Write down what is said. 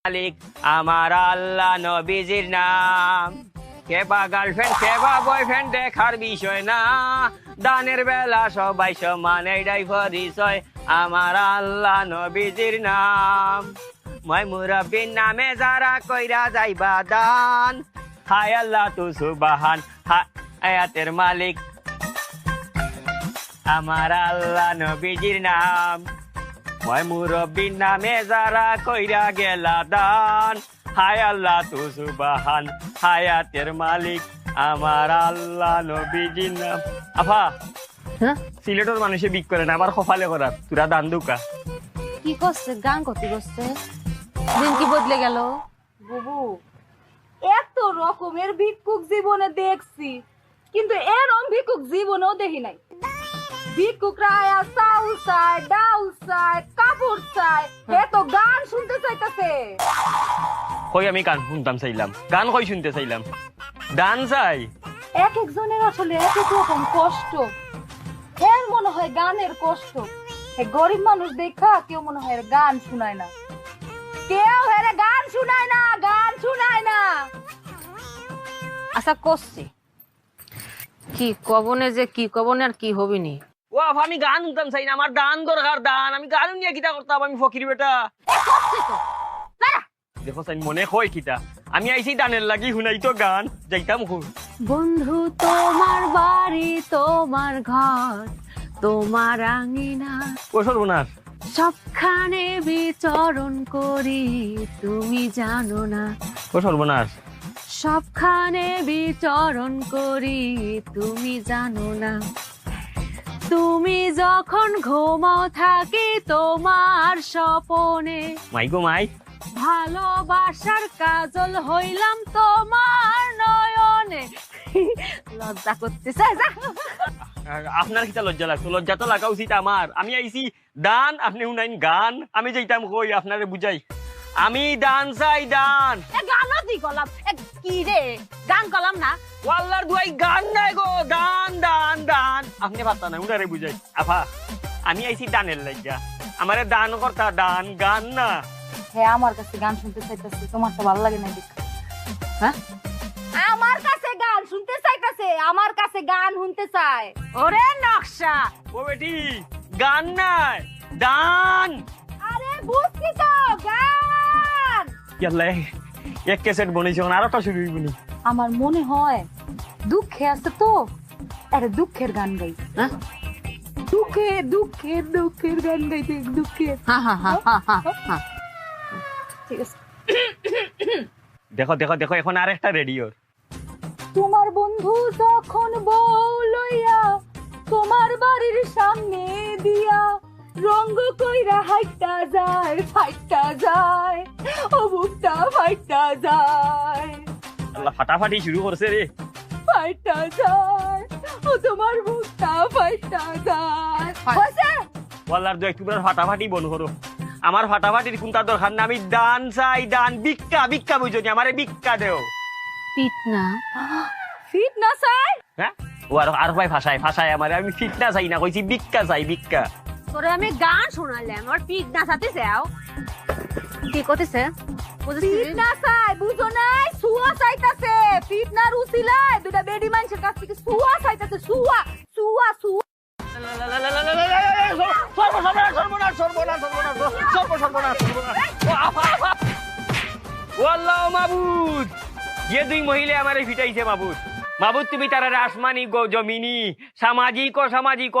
মালিক আমার আল্লাহ নবীজির নাম। কেবা গার্লফ্রেন্ড কেবা বয়ফ্রেন্ড দেখার বিষয় না, দানের বেলা সবাই সমান এইটাই পরিচয়। আমার আল্লাহ নবীজির নাম। মই মুরব্বীর নামে যারা কইরা যাইবা দান, হায় আল্লাহ তু সুবহান হায়াতের মালিক আমার আল্লাহ নবীজির নাম। মই মুরব্বীর নামে যারা কইরা গেলা দান, হায় আল্লাহ তু সুবহান হায়াতের মালিক আমার আল্লাহ নবীজির নাম। আফা সিলেটের মানুষে বিক করে না, আমার কপালে করার তুরা দান দুকা। কি করছে? গান করতে করছে দিন কি বদলে গেল? বুবু, এত রকমের ভিক্ষুক জীবনে দেখছি, কিন্তু এরকম ভিক্ষুক জীবনেও দেখি নাই। ভিক্ষুকরা আয়া চাউল চায়, ডাউল চায়, কাপড় চায়, এত গান শুনতে চাইতেছে। কই আমি গান শুনতাম চাইলাম, গান কই শুনতে চাইলাম, দান চাই। এক একজনের আসলে এক এক রকম কষ্ট। এর মনে হয় গানের কষ্ট, গরিব মানুষ দেখা কেউ মনে হয় এর গান শুনায় না, কেউ এর গান শুনায় না, গান শুনায় না। আচ্ছা করছি কি কবনে যে কি কবনে আর কি হবিনি। ও আফা আমি গান শুনতাম চাই না, আমার দান দরকার দান। আমি গান নিয়ে কিতা করতাম, আমি ফকির বেটা। দেখো চাই মনে হয় কিতা আমি আইছি দানের লাগি শুনাই তো গান যাইতাম খুব। বন্ধু তোমার বাড়ি তোমার ঘর তোমার আঙিনা, ও সর্বনাশ, সবখানে বিচরণ করি তুমি জানো না। ও সর্বনাশ, সবখানে বিচরণ করি তুমি জানো না। তুমি যখন ঘুমাও থাকি তোমার স্বপনে, মাই গো মাই, ভালোবাসার কাজল হইলাম তোমার নয়নে। লজ্জা করতেছে। আপনার কিতা লজ্জা লাগতো? লজ্জা তো লাগা উচিত আমার। আমি আইছি দান, আপনি শুনাইন গান। আমি যাইতাম কই আপনারে বুঝাই, আমি দান চাই দান। গানও দি গলাম কি রে, গান গলাম না। ওয়াল্লার দুয়াই গান নাই গো, দান দান দান। আপনি পারতা না, উনারে বুঝাই। আফা আমি আইছি দানের লাগিয়া, আমারে দান করতা, দান গান না। হ্যাঁ, আমার কাছে গান শুনতে চাইতেছে, তোমার তো ভালো লাগে না দেখ। হ্যাঁ, আমার কাছে গান শুনতে চাইতেছে, আমার কাছে গান শুনতে চায়। ওরে নকশা, ও বেটি গান নাই, দান। আরে বুঝছি তো, গান। ইয়াল্লা এক ক্যাসেট বনেছে, আর একটা শুরু হইবনি। আমার মনে হয় দুঃখে আছে তো, আরে দুঃখের গান গাই। হ্যাঁ দুঃখের দুঃখের দুঃখের গান গাইতে, দুঃখের। ঠিক আছে, দেখো দেখো দেখো, এখন আর একটা রেডিওর। তোমার বন্ধু যখন বউ লইয়া তোমার বাড়ির সামনে দিয়া রঙ্গ কইরা হাইটা যায়, ফাইটা যায়, ও বুকটা ফাইটা যায়, আল্লাহ ফাটাফাটি শুরু করছে রে। ফাইটা যায়, ও তোমার বুকটা ফাইটা যায়। হইছে? ওয়াল্লার দু একটু ফাটাফাটি বন করো। আমার ফাটাফাটির কোনটা দরকার না, আমি দান চাই দান। ভিক্ষা ভিক্ষা বুঝনি, আমারে ভিক্ষা দেও। পিট না ফিট না চাই? হ্যাঁ, ও আর ভাই ভাষায় ভাষায় আমারে, আমি ফিটনা চাই না, কইছি ভিক্ষা চাই ভিক্ষা। তোরে আমি গান শোনালাম, আর পিট না সাথে যাও কি করতেছে? ফিট না চাই, বুঝো নাই? সুয়া চাইতাছে, ফিট না রুচিলায় দুটা বেডি মানুষের কাছ থেকে সুয়া চাইতাছে, সুয়া সুয়া সুয়া। সর্বনাশ সর্বনাশ সর্বনাশ সর্বনাশ সর্বনাশ সর্বনাশ। ও আফা আফা, ও আল্লাহ মাবুদ, যে দুই মহিলা আমারে ফিটাইছে মাবুদ। মাবুদ তুমি তারা আসমানি জমিনি সামাজিক ও সামাজিক